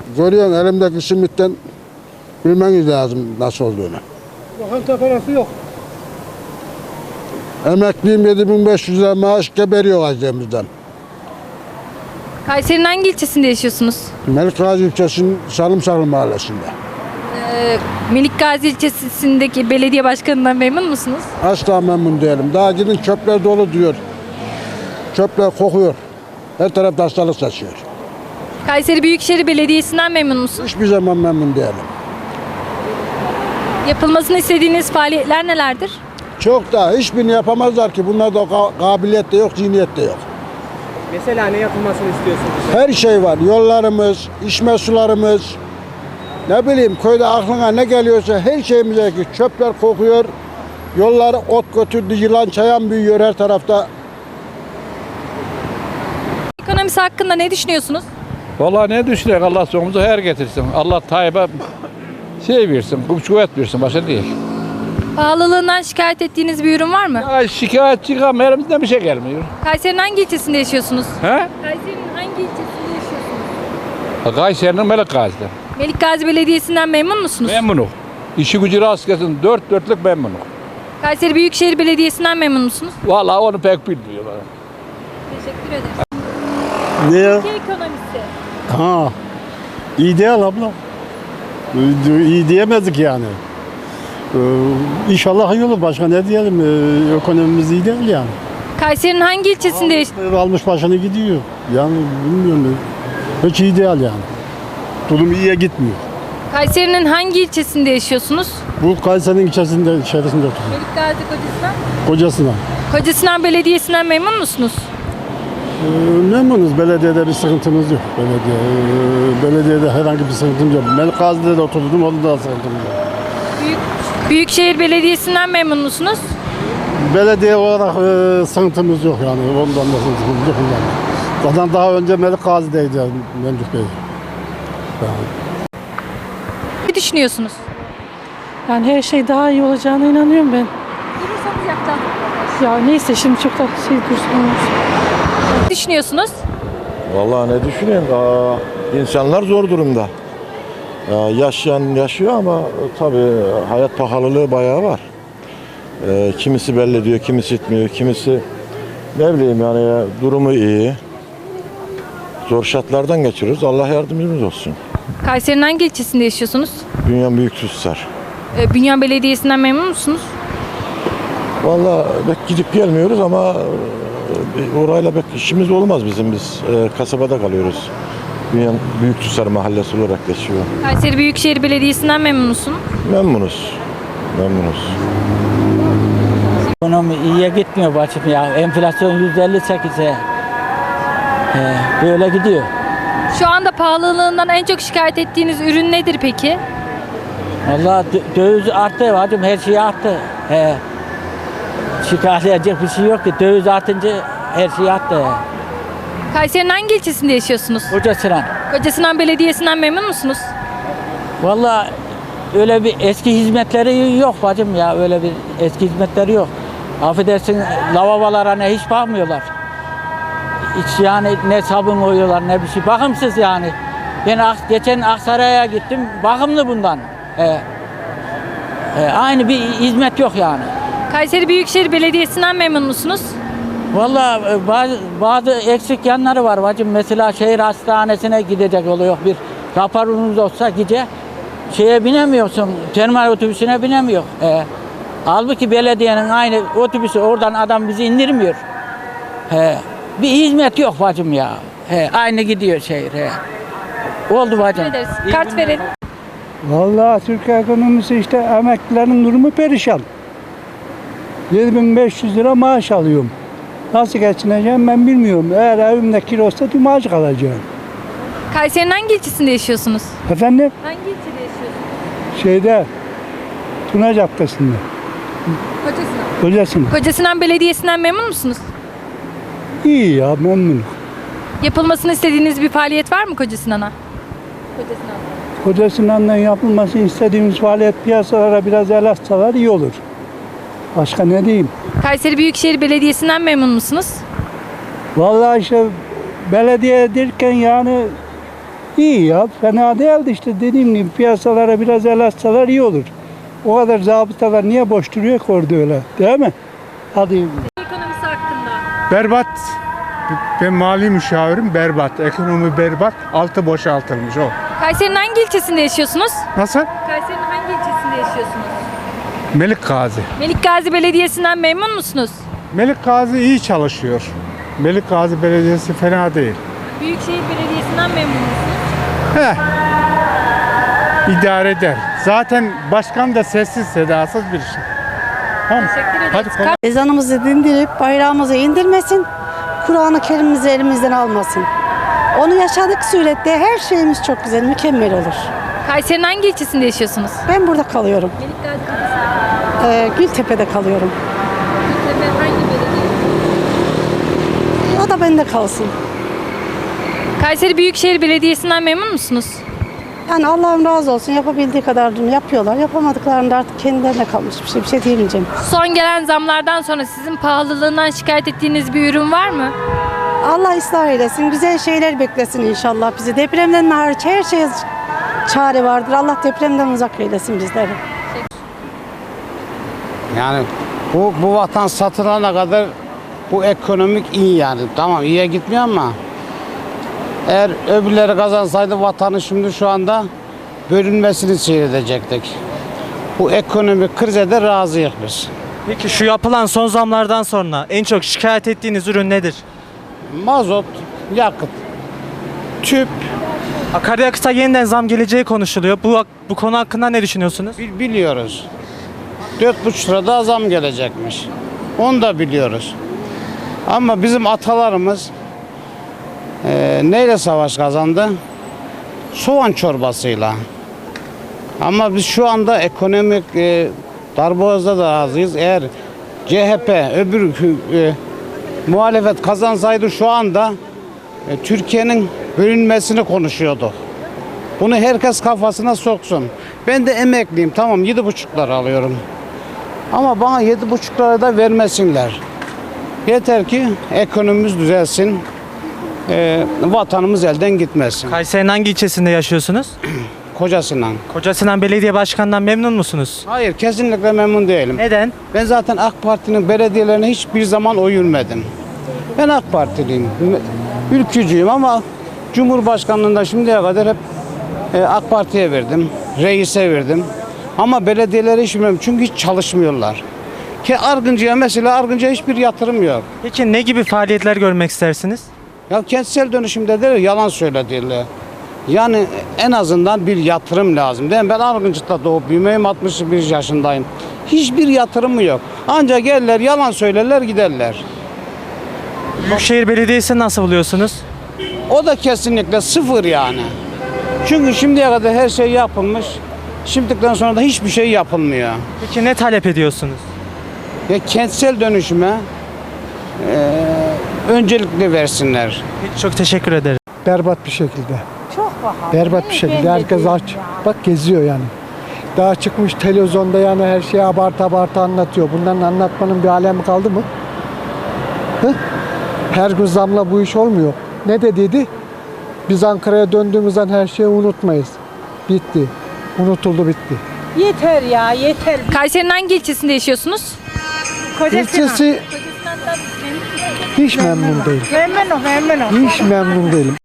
Görüyorsun elimdeki simitten bilmeniz lazım nasıl olduğunu. Lokanta parası yok. Emekliyim 7.500 lira maaş geberiyor acemizden. Kayseri'nin hangi ilçesinde yaşıyorsunuz? Melikgazi ilçesinin Sarımsaklı mahallesinde. Melik Gazi ilçesindeki belediye başkanından memnun musunuz? Asla memnun değilim. Daha gidin çöpler dolu diyor. Çöpler kokuyor. Her tarafta hastalık saçıyor. Kayseri Büyükşehir Belediyesi'nden memnun musunuz? Hiçbir zaman memnun değilim. Yapılmasını istediğiniz faaliyetler nelerdir? Çok da hiçbirini yapamazlar ki. Bunlarda kabiliyet de yok, zihniyet de yok. Mesela ne yapılmasını istiyorsunuz? Her şey var. Yollarımız, içme sularımız. Ne bileyim köyde aklına ne geliyorsa her şeyimize ki çöpler kokuyor. Yolları ot götürdü, yılan çayan büyüyor her tarafta. Ekonomisi hakkında ne düşünüyorsunuz? Vallahi ne düşünecek Allah sonumuzu hayır getirsin. Allah Tayyip'e şey versin, kuvvet versin, başka değil. Pahalılığından şikayet ettiğiniz bir ürün var mı? Ya şikayetçi ama elimizden bir şey gelmiyor. Kayseri'nin hangi ilçesinde yaşıyorsunuz? He? Kayseri'nin hangi ilçesinde yaşıyorsunuz? Kayseri'nin Melikgazi'den. Melik Gazi Belediyesi'nden memnun musunuz? Memnunum. İşi gücü rast gelsin, dört dörtlük memnunum. Kayseri Büyükşehir Belediyesi'nden memnun musunuz? Vallahi onu pek bilmiyorlar. Teşekkür ederiz. Niye? Ülke ekonomisi. Ha. İyi değil abla. İyi diyemedik yani. İnşallah iyi olur. Başka ne diyelim? Ekonomimiz iyi değil yani. Kayseri'nin hangi ilçesinde yaşıyorsunuz? Almış başını gidiyor. Yani bilmiyorum. Hiç iyi değil yani. Durum iyiye gitmiyor. Kayseri'nin hangi ilçesinde yaşıyorsunuz? Bu Kayseri'nin içerisinde oturuyor. Melik Gazi Kocasinan. Kocasına. Kocasinan Belediyesi'nden memnun musunuz? Memnunuz. Belediyede bir sıkıntımız yok. Belediyede herhangi bir sıkıntımız yok. Melikgazi'de de oturdum. Orada da sıkıntımız yok. Büyükşehir Belediyesi'nden memnun musunuz? Belediye olarak sıkıntımız yok yani. Ondan da sıkıntımız yok. Zaten daha önce Melikgazi'deydi yani, Memduh Bey. Ne düşünüyorsunuz? Yani her şey daha iyi olacağına inanıyorum ben. Durursanız yaktan. Ya neyse şimdi çok da şey dursun. Ne düşünüyorsunuz? Vallahi ne düşüneyim? İnsanlar zor durumda. Yaşayan yaşıyor ama tabii hayat pahalılığı bayağı var. Kimisi belli diyor, kimisi etmiyor, kimisi ne bileyim yani durumu iyi. Zor şartlardan geçiriyoruz. Allah yardımcımız olsun. Kayseri'nin hangi ilçesinde yaşıyorsunuz? Bünyan Büyüksusar. Bünyan Belediyesi'nden memnun musunuz? Vallahi pek gidip gelmiyoruz ama orayla pek işimiz olmaz bizim. Biz kasabada kalıyoruz. Bünyan Büyüksusar mahallesi olarak geçiyor. Kayseri Büyükşehir Belediyesi'nden memnun musun? Memnunuz. Memnunuz. Ekonomi iyiye gitmiyor bacım ya. Enflasyon %58'e. Böyle gidiyor. Şu anda pahalılığından en çok şikayet ettiğiniz ürün nedir peki? Vallahi döviz arttı bacım, her şey arttı. Şikayet edecek bir şey yok ki. Döviz artınca her şey arttı. Kayseri'nin hangi ilçesinde yaşıyorsunuz? Kocasinan. Kocasinan Belediyesi'nden memnun musunuz? Vallahi öyle bir eski hizmetleri yok bacım ya. Öyle bir eski hizmetleri yok. Affedersin lavabolara ne hiç bakmıyorlar. Hiç yani ne sabun koyuyorlar ne bir şey. Bakımsız yani. Ben geçen Aksaray'a gittim. Bakımlı bundan. Aynı bir hizmet yok yani. Kayseri Büyükşehir Belediyesi'nden memnun musunuz? Vallahi bazı eksik yanları var bacım. Mesela şehir hastanesine gidecek oluyor. Bir raporunuz olsa gece şeye binemiyorsun. Termal otobüsüne binemiyor. Halbuki belediyenin aynı otobüsü oradan adam bizi indirmiyor. Bir hizmet yok bacım ya. Aynı gidiyor şehir. Oldu bacım. Teşekkür ederiz. Kart verin. Vallahi Türkiye ekonomisi işte emeklilerin durumu perişan. 7.500 lira maaş alıyorum. Nasıl geçineceğim ben bilmiyorum. Eğer evimde kilosta tüm maaş kalacağım. Kayseri'nin hangi ilçesinde yaşıyorsunuz? Efendim? Hangi ilçede yaşıyorsunuz? Şeyde Tuna Caddesi'nde. Kocasinan. Kocasına. Kocasinan Belediyesi'nden memnun musunuz? İyi ya memnunum. Yapılmasını istediğiniz bir faaliyet var mı Kocasinan'a? Kocasinan'dan yapılması istediğimiz faaliyet piyasalara biraz el atsalar iyi olur. Başka ne diyeyim? Kayseri Büyükşehir Belediyesi'nden memnun musunuz? Vallahi işte belediye derken yani İyi ya, fena değildi işte, dediğim gibi piyasalara biraz el atsalar iyi olur. O kadar zabıtalar niye boş duruyor ki orada öyle, değil mi? Hadi. Ekonomisi hakkında. Berbat. Ben mali müşavirim, berbat. Ekonomi berbat. Altı boşaltılmış o. Kayseri'nin hangi ilçesinde yaşıyorsunuz? Nasıl? Kayseri'nin hangi ilçesinde yaşıyorsunuz? Melik Gazi. Melik Gazi Belediyesi'nden memnun musunuz? Melik Gazi iyi çalışıyor. Melik Gazi Belediyesi fena değil. Büyükşehir Belediyesi'nden memnun musunuz? İdare eder. Zaten başkan da sessiz sedasız bir şey. Tamam. Teşekkür ederiz. Hadi kolay. Ezanımızı dindirip bayrağımızı indirmesin. Kur'an-ı Kerim'imizi elimizden almasın. Onu yaşadık surette her şeyimiz çok güzel, mükemmel olur. Kayseri'nin hangi ilçesinde yaşıyorsunuz? Ben burada kalıyorum. Melik Gazi Gültepe'de kalıyorum. Gültepe hangi belediye? O da bende kalsın. Kayseri Büyükşehir Belediyesi'nden memnun musunuz? Yani Allah'ım razı olsun, yapabildiği kadarını yapıyorlar. Yapamadıklarında artık kendilerine kalmış bir şey diyemeyeceğim. Son gelen zamlardan sonra sizin pahalılığından şikayet ettiğiniz bir ürün var mı? Allah ıslah eylesin, güzel şeyler beklesin inşallah bizi. Depremden hariç her şeye çare vardır. Allah depremden uzak eylesin bizleri. Yani bu vatan satılana kadar bu ekonomik iyi yani. Tamam iyiye gitmiyor ama eğer öbürleri kazansaydı vatanı şimdi şu anda bölünmesini seyredecektik. Bu ekonomik krize de razıyız biz. Peki şu yapılan son zamlardan sonra en çok şikayet ettiğiniz ürün nedir? Mazot, yakıt, tüp Akaryakıta yeniden zam geleceği konuşuluyor. Bu konu hakkında ne düşünüyorsunuz? biliyoruz. 4,5 lira daha zam gelecekmiş. Onu da biliyoruz. Ama bizim atalarımız neyle savaş kazandı? Soğan çorbasıyla. Ama biz şu anda ekonomik darboğazda da razıyız. Eğer CHP öbür muhalefet kazansaydı şu anda Türkiye'nin bölünmesini konuşuyordu. Bunu herkes kafasına soksun. Ben de emekliyim, tamam 7,5 lira alıyorum. Ama bana 7,5 lira da vermesinler. Yeter ki ekonomimiz düzelsin, vatanımız elden gitmesin. Kayseri'nin hangi ilçesinde yaşıyorsunuz? Kocasından. Kocasinan Belediye Başkanı'ndan memnun musunuz? Hayır, kesinlikle memnun değilim. Neden? Ben zaten AK Parti'nin belediyelerine hiçbir zaman oy vermedim. Ben AK Partiliyim, ülkücüyüm ama Cumhurbaşkanlığında şimdiye kadar hep AK Parti'ye verdim, reise verdim. Ama belediyelere hiç vermem çünkü hiç çalışmıyorlar. Ki Argıncı'ya mesela Argıncı'ya hiçbir yatırım yok. Peki ne gibi faaliyetler görmek istersiniz? Ya kentsel dönüşümde de yalan söylediler. Yani en azından bir yatırım lazım. Değil mi? Ben Argıncık'ta doğup büyümeyim, 61 yaşındayım. Hiçbir yatırımı yok. Ancak gelirler, yalan söylerler, giderler. Büyükşehir Belediyesi'ni nasıl buluyorsunuz? O da kesinlikle sıfır yani. Çünkü şimdiye kadar her şey yapılmış. Şimdiden sonra da hiçbir şey yapılmıyor. Peki ne talep ediyorsunuz? Ya kentsel dönüşüme öncelikli versinler. Peki, çok teşekkür ederim. Berbat bir şekilde. Çok pahalı. Berbat bir şekilde. Herkes aç. Bak geziyor yani. Daha çıkmış televizyonda yani her şeyi abartı anlatıyor. Bunların anlatmanın bir alemi kaldı mı? Hı? Her gün zamla bu iş olmuyor. Ne dediydi? Biz Ankara'ya döndüğümüzden her şeyi unutmayız. Bitti. Unutuldu bitti. Yeter ya, yeter. Kayseri'nin hangi ilçesinde yaşıyorsunuz? İlçesi hiç memnun değil. Memnun. Hiç memnun değilim.